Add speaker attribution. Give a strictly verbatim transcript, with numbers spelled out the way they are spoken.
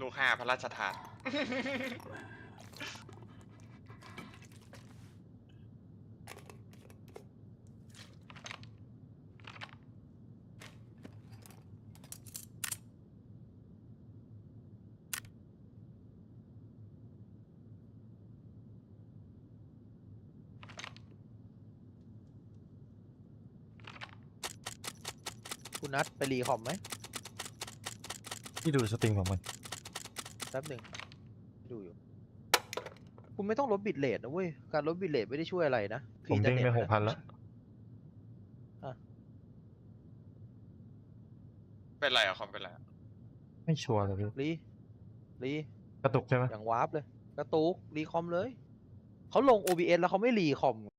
Speaker 1: กห้าพระราชทาน
Speaker 2: คุณนัดไปรีคอมไหม
Speaker 3: ที่ดูสตรีมของมัน
Speaker 2: แป๊บหนึ่งดูอยู่คุณไม่ต้องลดบิตเรทนะเว้ยการลดบิตเรทไม่ได้ช่วยอะไรนะ
Speaker 3: ผมเด้งไปหกพันแล้ว
Speaker 1: เป็นไรอะคอมเป็นไรอะ
Speaker 3: ไม่ชัวร์เลยพี่
Speaker 2: รีรี
Speaker 3: กระตุกใช่ไหม
Speaker 2: อย่างวาร์ปเลยกระตุกรีคอมเลยเขาลง โอ บี เอส แล้วเขาไม่รีคอม